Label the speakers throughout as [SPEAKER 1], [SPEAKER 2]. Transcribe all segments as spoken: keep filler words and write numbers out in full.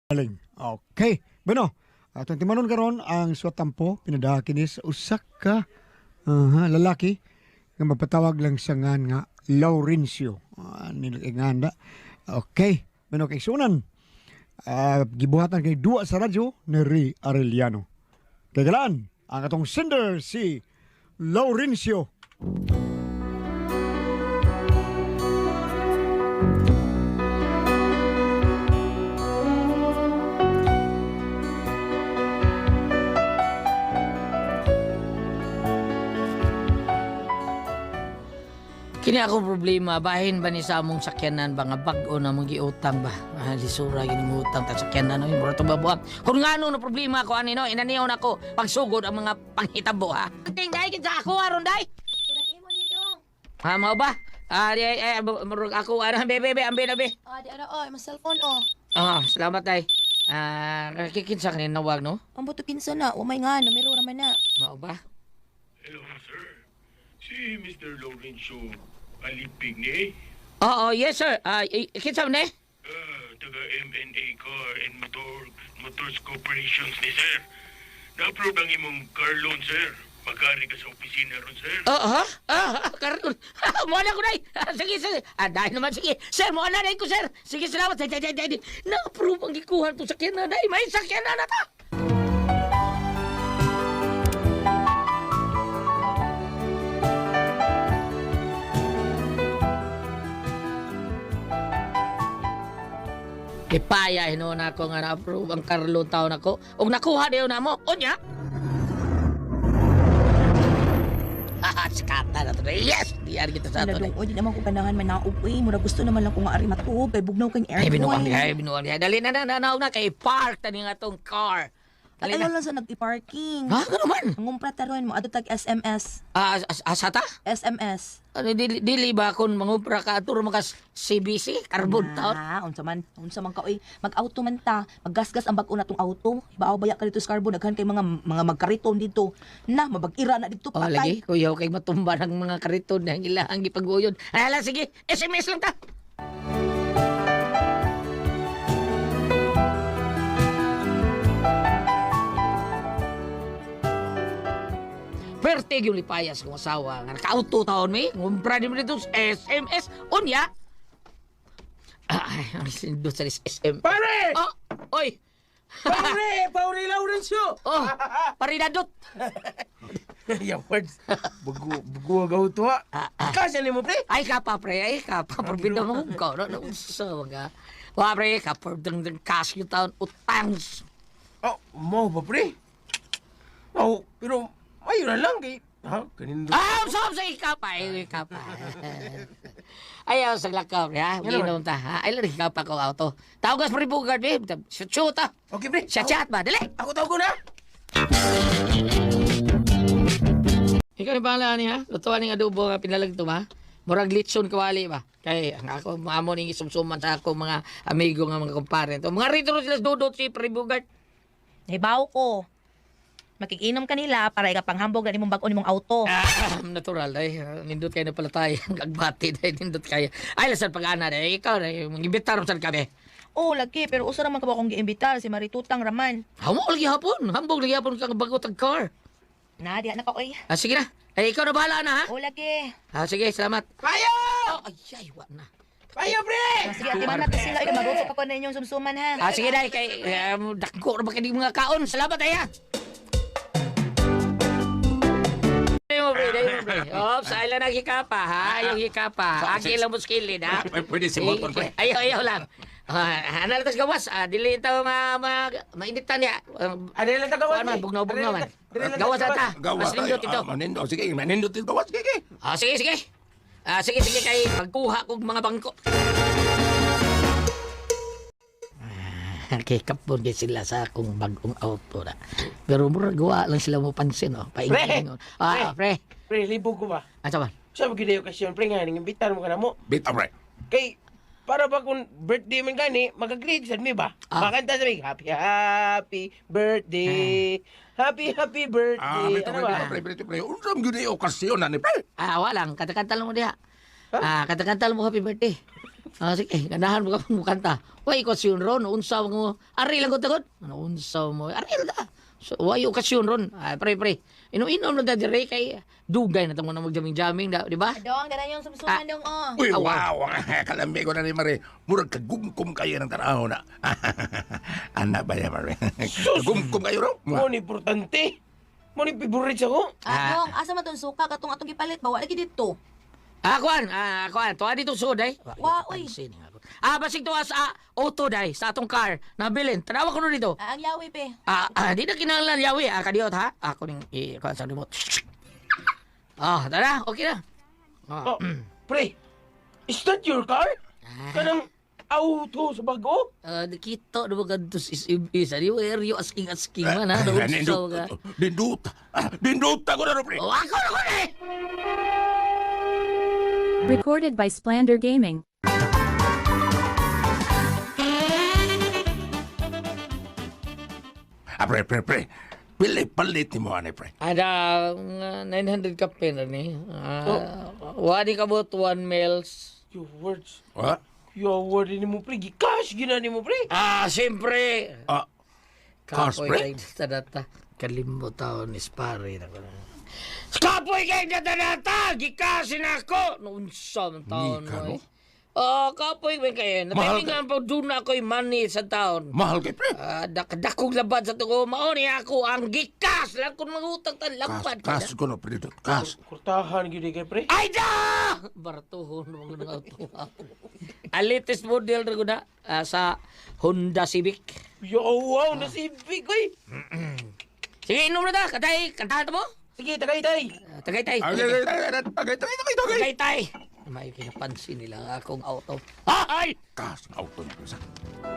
[SPEAKER 1] Galing. Okay. Bueno, atong timanon karon ang suwatampo pinadaha kini sa usa ka aha, lalaki nga mapatawag lang sa ngan nga Laurencio. Uh, nilinganda. Okay. Bueno, kay sunan. Uh, gibuhatan kay duwa sa radyo ni Ray Arellano. Kay galaan, ang atong sender si Laurencio.
[SPEAKER 2] Kini akong problema, bahin ba ni sa among sakyanan ba nga bag-o na mong giutang ba? Ah, lisura gini mo utang ta sakyanan no, mura to babuhat. Kung ngano no problema ko ani no, inaniyon ako pagsugod ang mga panghitabo ha. Ting dai gid sa ako aron dai.
[SPEAKER 3] Kudak imo ni dong.
[SPEAKER 2] Ha mao ba? Ah, di ay murag ako ara bebe bebe ambe na be.
[SPEAKER 3] Ah, di ara oy, mas cellphone oh.
[SPEAKER 2] Ah, salamat dai. Ah, kikinsa kanin nawag no?
[SPEAKER 3] Ang buto kinsa na, o may nga, numero raman na.
[SPEAKER 2] Mao ba?
[SPEAKER 4] Hello, sir. Si mister Laurencio Alipig ni
[SPEAKER 2] Oo, yes sir. Ah, kinsa man eh?
[SPEAKER 4] uh, taga M N A Car and Motor Motors Corporations ni sir. Na-approve ang imong car loan, sir. Magkari ka sa opisina ron, sir.
[SPEAKER 2] Oo, ha? Ah, karon. Mo na ko dai. Sige, sige. Ah, dai naman sige. Sir, mo na dai ko, sir. Sige, salamat. Dai, dai, dai. Na-approve ang gikuha to sakyanan dai. May sakyanan na ta. Ipaya hino na ako nga na-approve ang karlo taon ako. Og nakuha dayon na mo. Unya. Haha, skata na to. Yes! Di ari kita sa
[SPEAKER 3] Ano
[SPEAKER 2] ato.
[SPEAKER 3] dong, o di naman ko ganahan manaog eh. Mura gusto naman lang ko nga ari matuog. Kay bugnaw kang
[SPEAKER 2] Ay, binuang
[SPEAKER 3] aircon.
[SPEAKER 2] niya, ay, binuang niya. Dali na na, nanaw na kay park tani nga tong car. Dali
[SPEAKER 3] Ayaw
[SPEAKER 2] na.
[SPEAKER 3] lang sa nag-parking.
[SPEAKER 2] Ha? Ano man?
[SPEAKER 3] Ang umpra taron mo, ato tag S M S.
[SPEAKER 2] Ah, as, asata?
[SPEAKER 3] S M S.
[SPEAKER 2] Ano, dili, dili ba kung mangupra ka aturo makas C B C? Carbon taon?
[SPEAKER 3] Ah, unsa man, unsa man ka oy. Mag-auto man ta, maggasgas ang bag-o natong auto. Ibaaw baya ka dito sa carbon, daghan kay mga mga magkariton dito. Na, mabag-ira na dito
[SPEAKER 2] Oh,
[SPEAKER 3] patay.
[SPEAKER 2] lagi. Kuyaw kay matumba ng mga kariton na ilang gipag-uyon. Ay, ala, sige. S M S lang ta. Pertig yung lipayas kong asawa. Nga naka-auto taon may. Ngumpra din mo dito sa S M S. Unya. Ay, ang sindot sa S M.
[SPEAKER 5] Pare!
[SPEAKER 2] Oh, oy.
[SPEAKER 5] Pare! Pare Laurencio!
[SPEAKER 2] Oh, parinadot.
[SPEAKER 5] Yung words. Bugu, bugu agaw to ha. Kasya ni mo, pre?
[SPEAKER 2] Ay ka pa, pre. Ay ka pa. Parbida mo ko. No, no, so, mga. Wa, pre. Kapar dang dang cash yung taon. Utangs.
[SPEAKER 5] Oh, mo ba, pre? Oh, pero ayun na lang kay... Ha? Kanindo.
[SPEAKER 2] Ah, usap sa ika pa. Ay, ika pa. Ayaw, sa lakaw, pre, ha? Ginom ta, ha? Ay, lang ika pa ko auto. Tawagas pa rin bugard, babe. Shoot, shoot, ha?
[SPEAKER 5] Okay, pre.
[SPEAKER 2] Siya chat ba? Dali.
[SPEAKER 5] Ako tawag ko na.
[SPEAKER 2] Ikaw ni pala ni, ha? Lutuan ni adobo nga pinalag to, ha? Murag litson kawali ba? Kay ang ako maamo ning isumsuman sa ako mga amigo nga mga kumpare to. Mga rito sila dudot si Pribugard.
[SPEAKER 3] Hibaw ko. Makikinom kanila para ikapanghambog na nimong bag-o nimong auto.
[SPEAKER 2] Ah, natural ay nindot kayo na pala tayo. Agbati dahil nindot kayo. Ay lasan pag-ana dahil ikaw na mag-imbitar saan kami.
[SPEAKER 3] Oh, lagi, pero usa raman ka ba akong giimbitar si Maritutang Raman.
[SPEAKER 2] Hamo lagi hapon. Hambog lagi hapon kang bago tag car.
[SPEAKER 3] Na, di na ka oy.
[SPEAKER 2] Ah, sige na. Ay, ikaw na bahala na ha.
[SPEAKER 3] Oh, lagi.
[SPEAKER 2] Ah, sige, salamat.
[SPEAKER 5] Payo!
[SPEAKER 2] Oh, ay, ay, wa na.
[SPEAKER 5] Payo, pre!
[SPEAKER 3] Ah, sige, ati man natin sila. Ikaw, marupok ako na inyong sumsuman, ha?
[SPEAKER 2] Ah, sige na. Kay, um, dakko na ba kayo mga kaon? Salamat ay ha. Dahil mo, pre. Dahil mo, pre. Oh, sa ilan ang hikapa, ha? Yung hikapa. Agi lang mo skillin, ha?
[SPEAKER 5] Ay, pwede si motor, pre.
[SPEAKER 2] Ayaw, ayaw lang. Ah, ano lang tas gawas? Ah, dili ito ma, ma, mainitan niya. Um,
[SPEAKER 5] Ano lang tagawan,
[SPEAKER 2] Kuan man,
[SPEAKER 5] pre?
[SPEAKER 2] bugnaw-bugnaw man.
[SPEAKER 5] Ano lang
[SPEAKER 2] Gawas
[SPEAKER 5] tagawan?
[SPEAKER 2] ata.
[SPEAKER 6] Gawas
[SPEAKER 2] Mas nindot
[SPEAKER 6] tayo.
[SPEAKER 2] ito.
[SPEAKER 6] Ah, manindot. Sige, manindot ito. Gawas. Sige, sige.
[SPEAKER 2] Ah, sige, sige. Ah, sige, sige kay magkuha kog mga bangko. Ah, kay kapon kay sila sa akong bagong auto na. Pero mura gawa lang sila mo pansin, oh. Paingin. Ah, pre.
[SPEAKER 5] Pre, libo ko ba?
[SPEAKER 2] Ano ba?
[SPEAKER 5] Sa mga okasyon, pre, nga, nang imbitar mo ka na mo.
[SPEAKER 6] Bita, pre.
[SPEAKER 5] Kay, para ba kung birthday man gani, mag-agree sa mi ba?
[SPEAKER 2] Ah.
[SPEAKER 5] Makanta sa mi, happy, happy birthday. Happy, happy
[SPEAKER 6] Ah,
[SPEAKER 5] birthday.
[SPEAKER 6] bita,
[SPEAKER 5] Ano
[SPEAKER 6] pre.
[SPEAKER 5] ba?
[SPEAKER 6] Bita, pre. Bita, pre. Unsam yun yung okasyon na ni, pre.
[SPEAKER 2] Ah, walang kanta-kanta lang mo diha. Ah, kanta-kanta lang mo happy birthday. Ah, sige, ganahan mo ka mo kanta. Way okasyon ron, unsa mo. Ari lang ko tagod. Ano unsa mo? Ari lang ta. So, way okasyon ron. Ay, pre, pre. Ino-inom na da dire kay dugay na tamo na magjaming-jaming, da, di ba?
[SPEAKER 3] Dong, ganun yung sumsuman dong, oh.
[SPEAKER 6] Uy,
[SPEAKER 2] Awa.
[SPEAKER 6] wow! Kalambi ko na ni Mare. Murag kagumkum kayo ng tanaw na. Anak ba niya, Mare? Kagumkum kayo ro?
[SPEAKER 5] Mo ni importante. Mo ni favorite ako.
[SPEAKER 3] Ah, dong, asa man tong suka katong atong gipalit ba? Wala lagi dito.
[SPEAKER 2] Ah, kuan, ah, kuan, tuwa dito sud ay.
[SPEAKER 3] Wa, uy.
[SPEAKER 2] Ah, basig tuwa sa auto day sa atong car. Nabilin. Tanawa ko no dito.
[SPEAKER 3] Ah, ang yawi, pe.
[SPEAKER 2] Ah, ah, di na kinahanglan yawi. Ah, kadiot ha. Ako ning i kuan sa remote. Ah, tara, okay na. Ah,
[SPEAKER 5] Oh, pre, is that your car? Kanang auto sa bago?
[SPEAKER 2] ah, nakita na mga gantos is ibis. Ano yung area asking-asking man ha? Naunsaw
[SPEAKER 6] Dindut.
[SPEAKER 2] ka.
[SPEAKER 6] Dindut. Ah, Dindut ako na ro, pre.
[SPEAKER 2] Oh, ako na ko na eh!
[SPEAKER 7] Recorded by Splander Gaming.
[SPEAKER 6] Ah, pre, pre, pre. Pili palit ni mo, ane, pre.
[SPEAKER 2] Ada uh, nine hundred ka pin ni. Ah, wadi ka bot one mils.
[SPEAKER 5] Your words.
[SPEAKER 6] Ha?
[SPEAKER 5] Your word ni mo, pre. Gikash gina ni mo, pre.
[SPEAKER 2] Ah, siyempre.
[SPEAKER 6] Ah, Cars,
[SPEAKER 2] Kapoy
[SPEAKER 6] pre?
[SPEAKER 2] kay data. Kalimbo taon ni Spare na ko na. Kapoy kay data! Gikasin ako! Noon sa mga taon
[SPEAKER 6] Nika,
[SPEAKER 2] mo
[SPEAKER 6] no?
[SPEAKER 2] eh. Oh, kapoy ba kayo?
[SPEAKER 6] Mahal
[SPEAKER 2] Natilingan pa doon na ako'y money sa taon.
[SPEAKER 6] Mahal kay, pre.
[SPEAKER 2] Ah, dakadakong labad sa tuko. Maoni ako ang gikas. Lang kung mangutang tan
[SPEAKER 6] Kas,
[SPEAKER 2] lapad.
[SPEAKER 6] kas ko na, pre. Dindut. Kas.
[SPEAKER 5] Kurtahan gini kay, pre.
[SPEAKER 2] Ay da! Baratuhon mo ng auto. Ang latest model na ko na ah, sa Honda Civic.
[SPEAKER 5] Yo, wow, nasibig, oy.
[SPEAKER 2] Sige, inom na ta. Katay, kantahan mo.
[SPEAKER 5] Sige, tagay, tay.
[SPEAKER 2] Ah, Tagay tay.
[SPEAKER 6] Ay, ay, ay, ay, ay, tagay, tagay, tagay, tagay.
[SPEAKER 2] Tagay tay. May pinapansin nila ang akong auto. Ay!
[SPEAKER 6] Kas, auto niya, pre. Sa-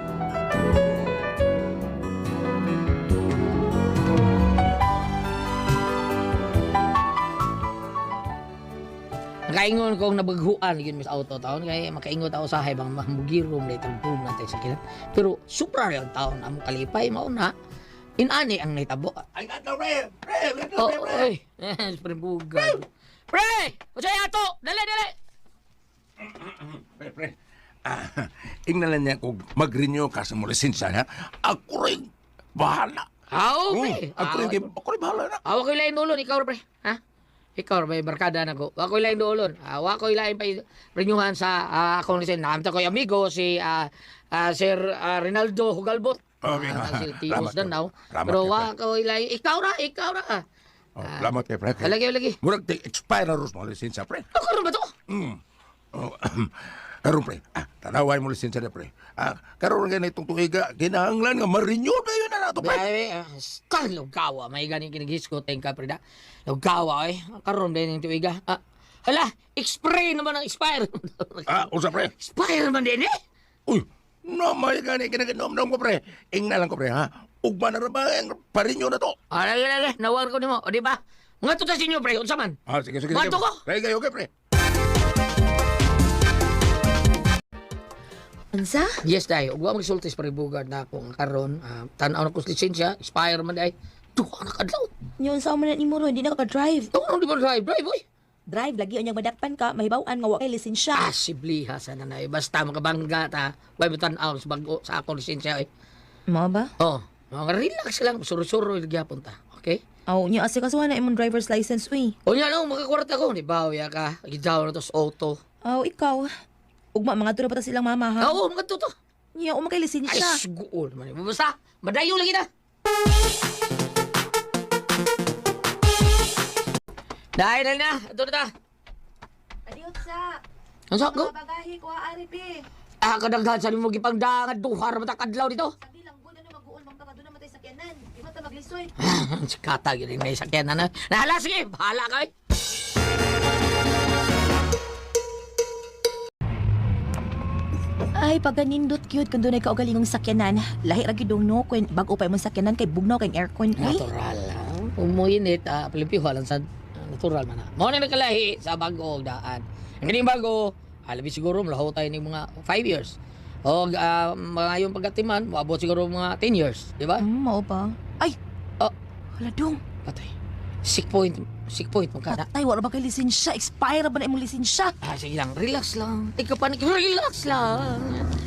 [SPEAKER 2] Nakaingon kong nabaghuan yun sa auto taon kaya makaingot ako sa bang mamugirom na itong boom natin sa kilat. Pero supra lang taon among kalipay mauna. Inani ang naitabo.
[SPEAKER 6] Ay, gato, pre. Pre, gato,
[SPEAKER 2] Oh,
[SPEAKER 6] pre, pre.
[SPEAKER 2] oy. Eh, pre bugad. Pre! Unsay ato? Dali, dali.
[SPEAKER 6] Pre, pre. Ah, ingnalan niya kung mag-renew ka sa mo lisensya, ha? Ako rin bahala.
[SPEAKER 2] Aw,
[SPEAKER 6] Hmm,
[SPEAKER 2] pre.
[SPEAKER 6] ako rin, ako rin bahala na.
[SPEAKER 2] Awa ko ilain dulon, ikaw pre. Ha? Ikaw may barkada na ko. Wa ko ilain dulon. Awa ko ilain pa renyuhan sa ah, akong lisen. Namta ko yung amigo si ah, ah, Sir ah, Rinaldo Hugalbot.
[SPEAKER 6] Okay.
[SPEAKER 2] Ah, si Tios
[SPEAKER 6] Salamat,
[SPEAKER 2] Danaw.
[SPEAKER 6] Salamat,
[SPEAKER 2] Pero
[SPEAKER 6] pre.
[SPEAKER 2] wa ko ilain. Ikaw ra, ikaw ra.
[SPEAKER 6] Oh, salamat kay pre.
[SPEAKER 2] Lagi, lagi.
[SPEAKER 6] Murag te expire na ros mo lisensya, pre.
[SPEAKER 2] Ako rin ba to?
[SPEAKER 6] Mm. Oh, karon pre, ah, tanaway mo lisensya na pre. Ah, karon nga itong tuiga, kinahanglan nga ma-renew na yun na nato, pre.
[SPEAKER 2] Dai, kan lugawa may gani kinigisco teng ka pre da. Lugawa eh. Karon din yung tuiga. Ah, hala, expire naman ang expire.
[SPEAKER 6] Ah, usa pre.
[SPEAKER 2] Expire naman din eh.
[SPEAKER 6] Uy, no may gani kinaginom-nom ko pre. Ingna lang ko pre, ha. Ugma na ra ba ang pa-renew na to?
[SPEAKER 2] Ah, lagi, lagi. Nawar ko nimo, o di ba? Nga to sa sinyo pre, unsa man?
[SPEAKER 6] Ah, sige, sige, sige.
[SPEAKER 2] Bato ko.
[SPEAKER 6] Kaya kayo, okay, pre.
[SPEAKER 3] Unsa?
[SPEAKER 2] Yes, dai. Ug wa magsultis pa bugad na akong karon. Uh, tan-aw na ko sa lisensya, expire man dai. Duha na kadlaw.
[SPEAKER 3] Yun sa man ni mo ro, hindi na ka drive.
[SPEAKER 2] Ano di ba drive? Drive, boy.
[SPEAKER 3] Drive lagi unyang madakpan ka, mahibaw-an nga wa kay lisensya.
[SPEAKER 2] Ah, sibli ha sa nanay. Basta makabangga ta. Way mo tan-aw sa bago sa akong lisensya. Eh.
[SPEAKER 3] Mao ba?
[SPEAKER 2] Oh, mga relax lang. Suro-suro gyapon ta. Okay?
[SPEAKER 3] Aw, nya asa kasuhan na imong driver's license uy.
[SPEAKER 2] O nya lang, makakwarta ko. Di ba, ya ka. Gidaw na to sa auto.
[SPEAKER 3] Aw, ikaw. Ugma mga tura pa ta silang mama ha.
[SPEAKER 2] Oo, mga to to.
[SPEAKER 3] Nya uma kay
[SPEAKER 2] Ay,
[SPEAKER 3] lisensya.
[SPEAKER 2] sugoon man. Basta, madayo lagi na. Dahil dahil na. Ito na ta.
[SPEAKER 3] Adiot sa.
[SPEAKER 2] Ano sa ko?
[SPEAKER 3] bagahe ko ari pe.
[SPEAKER 2] Ah, kadaghan sa mo gipangdangan duhar mata kadlaw dito.
[SPEAKER 3] Sabi lang gud ano mag-uon bang ka doon matay sa kenan. Di ba ta maglisoy?
[SPEAKER 2] Si Kata yun yung sakyan na na. Nahala, sige, bahala ka eh.
[SPEAKER 3] Ay, pagganindot cute kung doon ay kaugalingong sakyanan. Lahi ra gyud no kung bag-o pa imong sakyanan kay bugnaw kay aircon uy.
[SPEAKER 2] Natural, ha? Umuinit, ah, palipiho lang sa ah, natural man ha. Mao na nagkalahi sa bago daan. Ang ganing bago, alabi siguro, malaho tayo ng mga five years. O uh, mga yung pagkatiman, maabot siguro mga ten years, di ba?
[SPEAKER 3] Hmm, mao ba? Ay.
[SPEAKER 2] Oh.
[SPEAKER 3] Hala dong.
[SPEAKER 2] Patay. Sick point. Sick point mo ka na.
[SPEAKER 3] Patay, wala ba kay lisensya? Expire ba na imong lisensya?
[SPEAKER 2] Ah, sige lang. Relax lang. Ikaw pa, relax lang.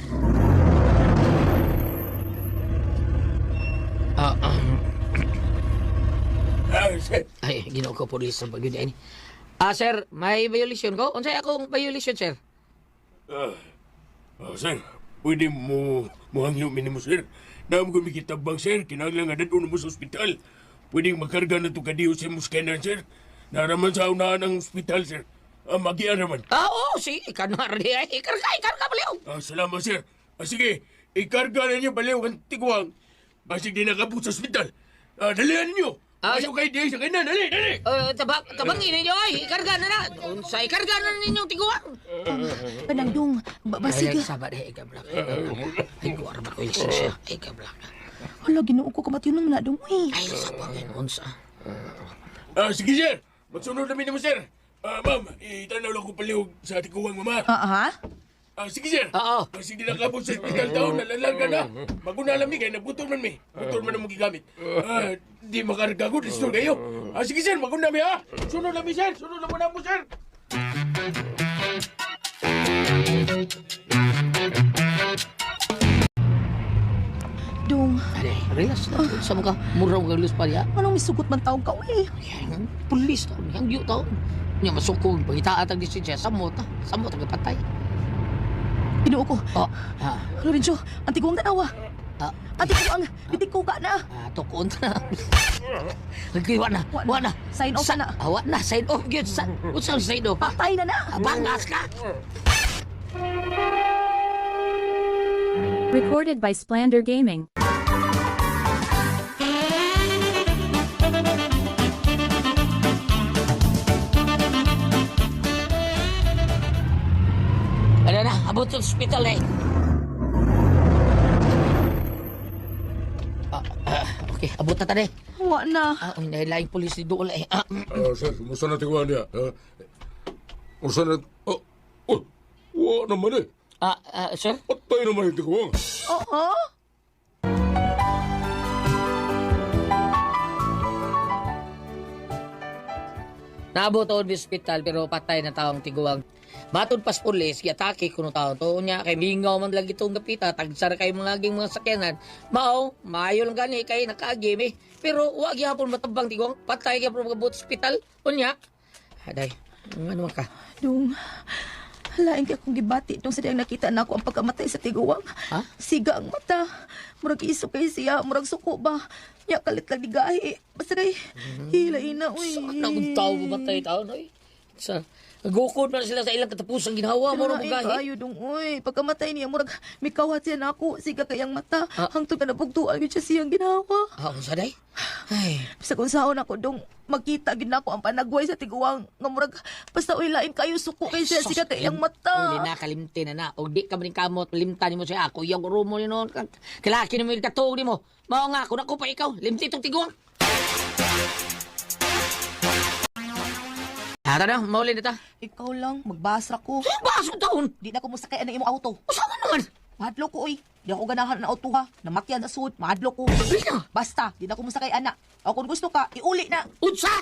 [SPEAKER 2] Ah, um,
[SPEAKER 6] Ah, sir.
[SPEAKER 2] ay, ginoo ko pulis sa pag ini. Ah, sir, may violation ko? Unsay akong violation, sir?
[SPEAKER 4] Ah, ah, sir, pwede mo muhangyo minimo, sir. Naam ko mikitabang, sir. Kinahanglan nga dadun mo sa ospital. Pwede makarga na ito kadiyo sa muskenan, sir. Naraman sa unahan ng ospital, sir. Ah, magiaraman.
[SPEAKER 2] Ah, oo, si ikanar di ay ikarga, ikarga baliw.
[SPEAKER 4] Ah, salamat, sir. Ah, sige, ikarga na niyo baliw ang tiguang. Basig di nakabot sa ospital. Ah, dalihan niyo.
[SPEAKER 2] Ah,
[SPEAKER 4] Ayaw kayo di sa kanan, dali, dali.
[SPEAKER 2] Uh, tabang, tabangin ninyo ay, ikarga na na. Unsay ikarga na ninyong tiguan.
[SPEAKER 3] Panangdong, ba basig.
[SPEAKER 2] Ay, sabat ay ikablak. Ay, kuwara ba ko yung lisensya? Ay, ikablak.
[SPEAKER 3] Hala, ginoo ko kamatiyon lang na dong, uy.
[SPEAKER 2] Ay, sabangin, unsa.
[SPEAKER 4] Ah, sige, sir. Magsunod namin mo, sir. Ah, ma'am, itanaw lang ko palihog sa tiguang mama.
[SPEAKER 3] Ah, ha?
[SPEAKER 4] Ah, sige, sir.
[SPEAKER 2] Oo.
[SPEAKER 4] Kasi di nakabot sa hospital taon, nalalang ka na. Maguna lang mi, kaya nabutol man mi. Butol man ang magigamit. Ah, di makarga ko, restore kayo. Ah, sige, sir, maguna mi, ha? Sunod lang mi, sir. Sunod lang muna po, sir.
[SPEAKER 3] Dong,
[SPEAKER 2] Ay, relax lang. Unsa mo ka? Muraw ka lus pa niya.
[SPEAKER 3] anong misugot man taong ka, uy?
[SPEAKER 2] Yan, pulis taon. Yang yu taon. Nya masukog, pagitaan ang lisensya. Samot, ha? Samot, ang patay.
[SPEAKER 3] Ginoo ko.
[SPEAKER 2] Oh, ah,
[SPEAKER 3] Lorenzo, ang tiguang tanawa.
[SPEAKER 2] ah,
[SPEAKER 3] Ang tiguang, bitiko ka na.
[SPEAKER 2] ah, tukon na. Nagkiwa na,
[SPEAKER 3] Wa na.
[SPEAKER 2] wa na.
[SPEAKER 3] Sign off
[SPEAKER 2] Sa-
[SPEAKER 3] na.
[SPEAKER 2] Ah, wa na, sign off yun. Sa, unsa ang sign off? ha?
[SPEAKER 3] Patay na na.
[SPEAKER 2] Ah, bangas ka.
[SPEAKER 7] Recorded by Splander Gaming.
[SPEAKER 2] Ano na, abot sa hospital eh. Ah, ah, okay, abot na tani.
[SPEAKER 3] Wa na.
[SPEAKER 2] Ah, uy, nahilaing pulis ni Dool eh. Ah,
[SPEAKER 6] Ah, sir, kumusta na tiguan niya? Ah, kumusta na... Oh, oh, wa naman eh.
[SPEAKER 2] ah, ah, sir?
[SPEAKER 6] Patay naman yung tiguan.
[SPEAKER 3] Oo?
[SPEAKER 2] Naabot ako sa hospital pero patay na taong tiguang. Matod pas pulis, giatake kuno taon to nya kay mingaw man lagi itong gapita, tagsara kay mga laging mga sakyanan. Mao, maayo lang gani kay nakaagim eh. Pero wa gyapon matabang tiguang, patay gyapon magabot sa hospital. Unya. Aday, ano man ka?
[SPEAKER 3] Dong, halain kay akong gibati dong sa diyang nakita na ako ang pagkamatay sa tiguang.
[SPEAKER 2] Ha?
[SPEAKER 3] Siga ang mata. Murag iso kay siya, murag suko ba. Nya kalit lang digahi. Basta day, hilain na, uy.
[SPEAKER 2] Saan akong tao mamatay tao na eh? Sa, nagukod man sila sa ilang katapusang ginawa mo rin
[SPEAKER 3] Halain
[SPEAKER 2] magahi.
[SPEAKER 3] kayo dong, uy. Pagkamatay niya, murag mikawat siya na ako. Siga kayang mata.
[SPEAKER 2] Ah.
[SPEAKER 3] Hangtod ka na pagtuan yun siya siyang ginawa.
[SPEAKER 2] Ah, unsa day? Ay,
[SPEAKER 3] Sa kung saan ako dong magkita gid nako ang panagway sa tiguang nga murag basta uy lain kayo suko kay siya siga kay ang mata.
[SPEAKER 2] Uli na, kalimti na na. O di ka maning kamot, limtan mo siya. Ako, yung rumo ni noon. Kilaki na mo yung katuog ni mo. Mao nga, kung ako pa ikaw, limti itong tiguang. Hata na, mauli na ta.
[SPEAKER 3] Ikaw lang magbasra ko.
[SPEAKER 2] Sa'yo ba asong taon?
[SPEAKER 3] Di na ko musakay ang imong auto.
[SPEAKER 2] Usaman naman.
[SPEAKER 3] Mahadlo ko oy. Di ako ganahan ng auto ha. Namatyan na sud, mahadlo ko.
[SPEAKER 2] Uli na.
[SPEAKER 3] Basta, di na ko musakay ana. O kung gusto ka, iuli na.
[SPEAKER 2] Unsa?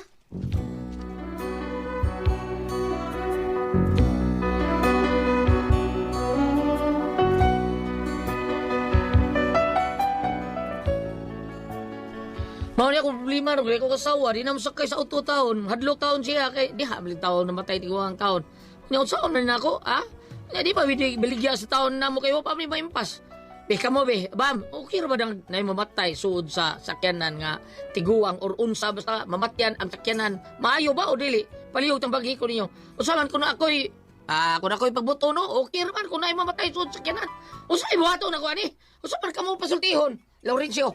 [SPEAKER 2] Mao niya akong problema, rin ko kasawa, di na masakay sa auto taon. Hadlok taon siya, kay di habiling taon, namatay tiguang taon. Ngayon, saan na rin ako, ha? Nga di pa bilig, biligya sa taon na mo kayo, pa may maimpas. Be, kamo be, bam, okay ra ba nang na mamatay suod sa sakyanan nga tiguang or unsa basta mamatyan ang sakyanan. Maayo ba o dili? Palihog tang bagi ko ninyo. Usaman ko na ako'y, ah, kung ako'y pagbuto, no? Okay ra man kung na mamatay suod sa sakyanan. Usay buhato na ko, ani? Usaman ka mo pasultihon, Laurencio.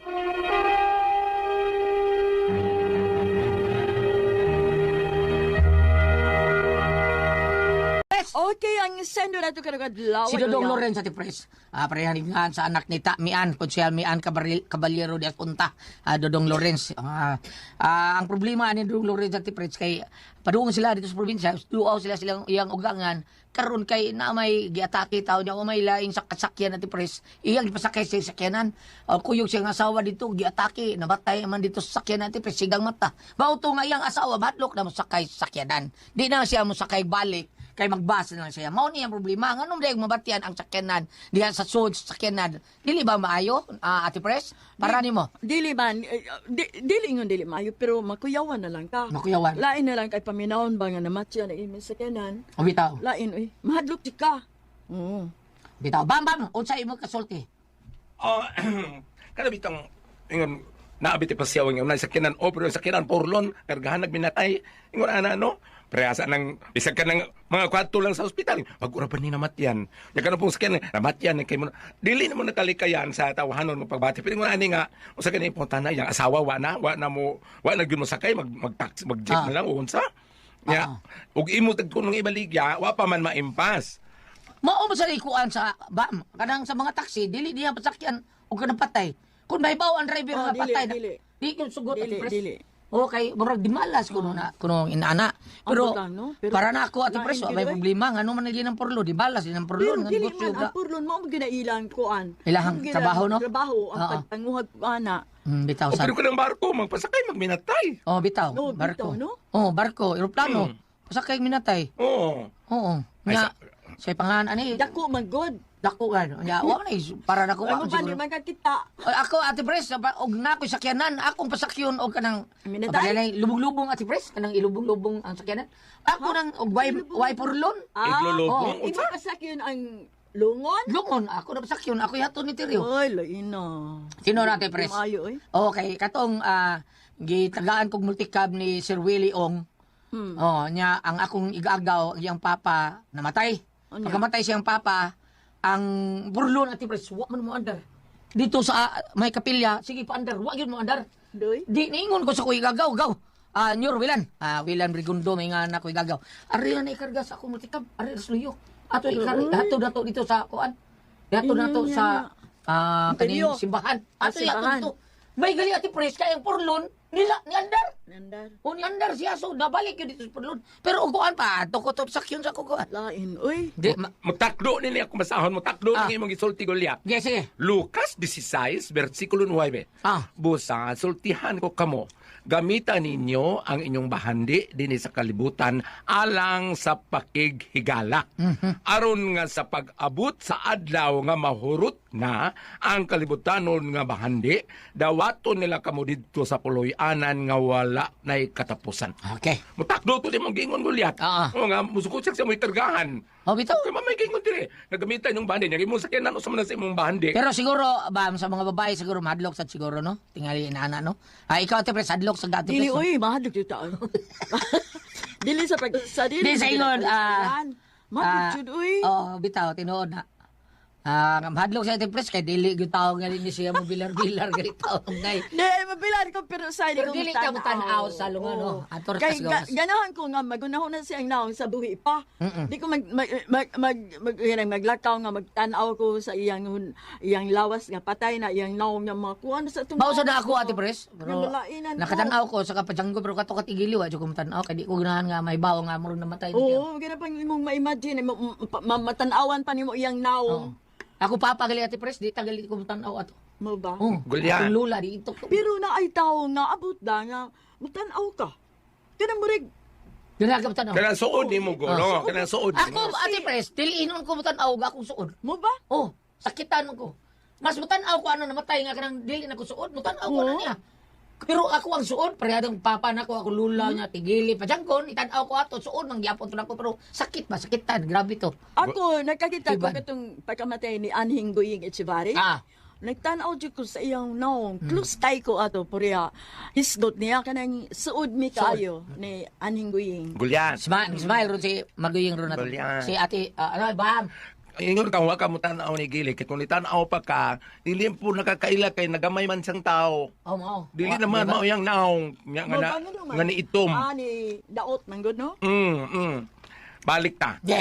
[SPEAKER 2] Yes!
[SPEAKER 8] Okay, ang sendo na ito karagad-law.
[SPEAKER 2] Si Dodong Lorenz Ate Pres. Ah, parehaningan sa anak ni Ta Mian, Konsyal Mian Cabaril- Caballero de Apunta, ah, Dodong Lorenz. Ah, ah, ang problema ni Dodong Lorenz Ate Pres kay padung sila dito sa probinsya, duaw sila silang iyang ugangan karon kay na may giatake tao niya o may laing sa kasakyan Ate Pres. Iyang gipasakay sa sakyanan. Uh, kuyog siyang asawa dito giatake, nabatay man dito sa sakyanan Ate Pres, sigang mata. Bauto nga iyang asawa badlok na mosakay sa sakyanan. Di na siya mosakay balik kay magbasa na lang siya. Mao ni ang problema. Nganong dayang mabatian ang sakyanan diha sa sud sa sakyanan. Dili ba maayo, ah, Ate Pres? Para nimo.
[SPEAKER 8] Dili man, eh, di, dili ingon dili maayo, pero makuyawan na lang ka.
[SPEAKER 2] Makuyawan.
[SPEAKER 8] Lain na lang kay paminawon ba nga namatya na imin sa kanan.
[SPEAKER 2] O bitaw.
[SPEAKER 8] Lain, uy, mahadlok di ka. Oo.
[SPEAKER 2] Bitaw. Bam bam, unsa imo kasulti?
[SPEAKER 6] Ah, kada bitang ingon naabit pa siya ang unay sakinan o pero sakinan porlon kargahan nagminatay ingon ana no preasa nang bisag ka ng mga kwarto lang sa ospital wag ura pa ni namatyan ya kana pong sakinan namatyan kay mo dili na mo nakalikayan sa tawahanon mo pagbati pero ingon ani nga usa ka ni puntana yang asawa wa na wa na mo wa na gyud mo sakay mag mag taxi mag jeep
[SPEAKER 2] Ah.
[SPEAKER 6] na lang o unsa ya
[SPEAKER 2] Ah.
[SPEAKER 6] ug imo tagkunong ibaligya wa pa man maimpas.
[SPEAKER 2] Mao ba sa likuan sa bam kanang sa mga taxi dili diha pasakyan og kanang patay. Kung mahibaw ang driver
[SPEAKER 8] Oh,
[SPEAKER 2] nga
[SPEAKER 8] dili,
[SPEAKER 2] patay na.
[SPEAKER 8] dili.
[SPEAKER 2] Di ko sugot
[SPEAKER 8] Dili,
[SPEAKER 2] Ate Pres.
[SPEAKER 8] dili.
[SPEAKER 2] Okay, murag di malas kuno na kuno inana. Pero,
[SPEAKER 8] Ambot lang, no? Pero
[SPEAKER 2] para na ako Ate
[SPEAKER 8] lain
[SPEAKER 2] Pres,
[SPEAKER 8] gyud,
[SPEAKER 2] may
[SPEAKER 8] oy.
[SPEAKER 2] problema ngano man lagi ng porlo, di balas din ang porlo
[SPEAKER 8] Pero
[SPEAKER 2] nga
[SPEAKER 8] dili
[SPEAKER 2] negosyo
[SPEAKER 8] man,
[SPEAKER 2] ga.
[SPEAKER 8] ang purlon mo ang ginailang kuan.
[SPEAKER 2] Ilahang
[SPEAKER 8] Ang
[SPEAKER 2] trabaho, no?
[SPEAKER 8] Trabaho, ang
[SPEAKER 2] Oo.
[SPEAKER 8] pagtanguhag ko ana.
[SPEAKER 2] Hmm, bitaw
[SPEAKER 6] O
[SPEAKER 2] sa.
[SPEAKER 6] pero kanang barko magpasakay magminatay.
[SPEAKER 2] Oh, bitaw.
[SPEAKER 8] No,
[SPEAKER 2] barko.
[SPEAKER 8] bitaw, no?
[SPEAKER 2] Oh, barko, eroplano. Pasakay minatay.
[SPEAKER 6] Oo.
[SPEAKER 2] Oo.
[SPEAKER 6] Ay,
[SPEAKER 2] Nga,
[SPEAKER 6] sa-
[SPEAKER 2] sa pangalan ani,
[SPEAKER 8] Dako man god.
[SPEAKER 2] dako gan. Nya, wa na is- para nako
[SPEAKER 8] Ano
[SPEAKER 2] ako
[SPEAKER 8] ba
[SPEAKER 2] siguro.
[SPEAKER 8] ni man ka kita?
[SPEAKER 2] Ay, ako Ate Pres, sa- og na ko sakyanan, akong pasakyon og kanang
[SPEAKER 8] Minatay?
[SPEAKER 2] Pabalay, lubong-lubong Ate Pres, kanang ilubong-lubong ang sakyanan. Ako nang og way way purlon.
[SPEAKER 8] Ah,
[SPEAKER 6] Iglulubong?
[SPEAKER 8] Imo pasakyon ang lungon?
[SPEAKER 2] Lungon ako na pasakyon, ako yato ni Tirio.
[SPEAKER 8] Oy, laina.
[SPEAKER 2] Sino na Ate Pres?
[SPEAKER 8] Maayo, oy.
[SPEAKER 2] Okay, katong ah, gitagaan kog multicab ni Sir Willie Ong.
[SPEAKER 8] Hmm.
[SPEAKER 2] Oh, nya ang akong igaagaw, ang iyang papa namatay.
[SPEAKER 8] Ano?
[SPEAKER 2] Pagkamatay siyang papa, ang burlon Ate Pres, wa man mo andar. Dito sa ah, may kapilya, sige pa andar, wa gyud mo andar.
[SPEAKER 8] Doy.
[SPEAKER 2] Di niingon ko sa kuy gagaw, gaw. Ah, Nyor Wilan. Ah, Wilan Brigundo may nga na kuy gagaw. Ari na ikarga sa akong multicab, ari sluyo. Ato ikar ato dato dito sa kuan. Dato
[SPEAKER 8] Inyo
[SPEAKER 2] dato
[SPEAKER 8] niya
[SPEAKER 2] sa
[SPEAKER 8] na.
[SPEAKER 2] ah kaning
[SPEAKER 8] Interior.
[SPEAKER 2] simbahan.
[SPEAKER 8] Ah,
[SPEAKER 2] Ato yato
[SPEAKER 8] simbahan.
[SPEAKER 2] dito. May gali Ate Pres kay ang porlon nila ni andar.
[SPEAKER 8] Nandar.
[SPEAKER 2] O ni andar siya so nabalik yun dito sa porlon. Pero og kuan pa, ato ko top sakyon sa kuan.
[SPEAKER 8] Lain, oy.
[SPEAKER 2] Di, ma-
[SPEAKER 6] Magtakdo nini ako masahon, magtakdo
[SPEAKER 2] Ah.
[SPEAKER 6] ng imong gisulti Goliath.
[SPEAKER 2] Sige, sige.
[SPEAKER 6] Lucas sixteen, versikulo nine.
[SPEAKER 2] Ah.
[SPEAKER 6] Busa, sultihan ko kamo. Gamitan ninyo ang inyong bahandi dinhi sa kalibutan alang sa pakighigala. Aron nga sa pag-abot sa adlaw nga mahurot na ang kalibutanon nga bahandi, dawaton nila kamo didto sa puloy-anan nga wala nay katapusan.
[SPEAKER 2] Okay.
[SPEAKER 6] Mutakdo to di mong gingon Goliath.
[SPEAKER 2] Ah.
[SPEAKER 6] O nga, musukot siya sa mo'y kargahan.
[SPEAKER 2] O bitaw.
[SPEAKER 6] Kaya mamay gingon dire. Nagamitan yung bahandi. Yung imong sakyanan o sa manan sa imong bahandi.
[SPEAKER 2] Pero siguro, bam, sa mga babae siguro madlok sa siguro, no? Tingali inana, no? Ah, ikaw, Ate Pres, hadlok sa Ate
[SPEAKER 8] Dili,
[SPEAKER 2] Pres, no?
[SPEAKER 8] oy, mahadlok yung taon. Dili sa pag... Sa dili.
[SPEAKER 2] Di sa ingon, ah,
[SPEAKER 8] Mahadlok
[SPEAKER 2] ah,
[SPEAKER 8] yun, oy.
[SPEAKER 2] Oh, bitaw, tinuod na. Ah, hadlok sa Ate Pres, kay dili yung tao nga rin siya mo bilar-bilar, ganit tao ngay.
[SPEAKER 8] Di, mabilan ko pero sa
[SPEAKER 2] Pero dili ka mo tanaw sa lunga, no? Ator
[SPEAKER 8] Kay
[SPEAKER 2] kas
[SPEAKER 8] ga,
[SPEAKER 2] gawas.
[SPEAKER 8] ganahan ko nga magunahon na siyang naong sa buhi pa.
[SPEAKER 2] Mm-mm.
[SPEAKER 8] Di ko mag mag mag, mag, mag yan, maglakaw nga magtanaw ko sa iyang hun- iyang lawas nga patay na iyang naong nga mga kuan sa tong.
[SPEAKER 2] Mausa na ako, Ate Pres.
[SPEAKER 8] Nga
[SPEAKER 2] Pero
[SPEAKER 8] balainan ko.
[SPEAKER 2] nakatanaw ko sa kapajanggo, pero kato katigiliw, adyo ko matanaw, kay di ko ganahan nga may bawo nga murong namatay. na siya.
[SPEAKER 8] Oo, gana pang imong ma-imagine mo- ma- ma- matanawan pa nimo iyang naong.
[SPEAKER 2] Oo. Ako papa gali Ate Pres, di tagali ko matanaw ato.
[SPEAKER 8] Mo ba?
[SPEAKER 2] Oh,
[SPEAKER 6] Gulyan.
[SPEAKER 2] akong lula di ito.
[SPEAKER 8] Pero na ay tao nga abot da nga matanaw ka. Kana mo rig
[SPEAKER 2] Dira ka matanaw.
[SPEAKER 6] Kaya suod ni mo,
[SPEAKER 2] Ah,
[SPEAKER 6] golo. Kaya suod.
[SPEAKER 2] Ako, Ate Pres, diliinon ko matanaw, akong suod.
[SPEAKER 8] mo ba?
[SPEAKER 2] Oh, sakitan ko. Mas mutanaw ko ano namatay nga kanang dili na ko suod, mutanaw ko
[SPEAKER 8] Oo.
[SPEAKER 2] na niya. Pero ako ang suod, parehadong papa na ko, ako lula niya, tigili, padyangkon, itanaw ko ato, suod, nang gyapon to na ko, pero sakit ba, sakitan, grabe to.
[SPEAKER 8] Ako nakakita ko
[SPEAKER 2] Iban.
[SPEAKER 8] katong pagkamatay ni Anhing Guying Echevarri.
[SPEAKER 2] Ah,
[SPEAKER 8] Nagtanaw jud ko sa iyang naong. Close tay ko ato puriya. Hisgot niya kanang suod mi kayo ni Anhing Guying.
[SPEAKER 6] Gulyan.
[SPEAKER 2] smile, smile ron si Maguying ron na to.
[SPEAKER 6] Gulyan.
[SPEAKER 2] Si ate, ah, ano, bam,
[SPEAKER 6] Ingon ka, huwag ka mo tanaw ni Gili. Kaya kung itanaw pa ka, dili po nakakaila kay nagamay man siyang tao.
[SPEAKER 2] oh, mao.
[SPEAKER 6] Dili
[SPEAKER 2] Wa-
[SPEAKER 6] naman
[SPEAKER 2] diba?
[SPEAKER 6] mao yang naong. Nga nga na,
[SPEAKER 8] Mo,
[SPEAKER 6] nga ni itom.
[SPEAKER 8] Ah, ni Daot man gud no?
[SPEAKER 6] Mm, mm. Balik ta.
[SPEAKER 2] Yeah.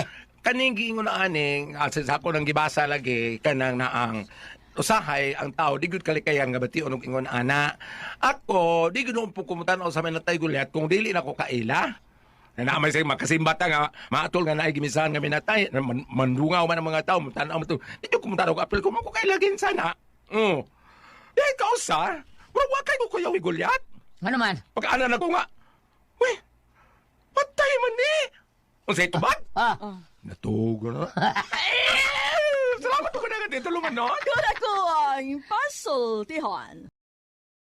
[SPEAKER 6] kaning giingon na aning asa sa ako nang gibasa lagi kanang naang usahay ang tao di gud kalikayan nga bation og ingon ana. Ako di gud po kumutan sa minatay gulyat kung dili na ko kaila. Na naamay sa makasimbata nga maatol nga naay gimisahan nga minatay man, mandungaw man ang mga tao tanaw mo to. Di ko kumutan og apel ko mo ko kailagin sana. Mm. Di ka usa. Mura wa kay ko kuyaw gulyat.
[SPEAKER 2] Ano man?
[SPEAKER 6] Pagkaanan na ko nga. Uy, patay man ni. Unsay tubag?
[SPEAKER 2] Ah,
[SPEAKER 6] Natugo na. Salamat ko na dito lumanon.
[SPEAKER 8] Kura ko ang puzzle, Tihan.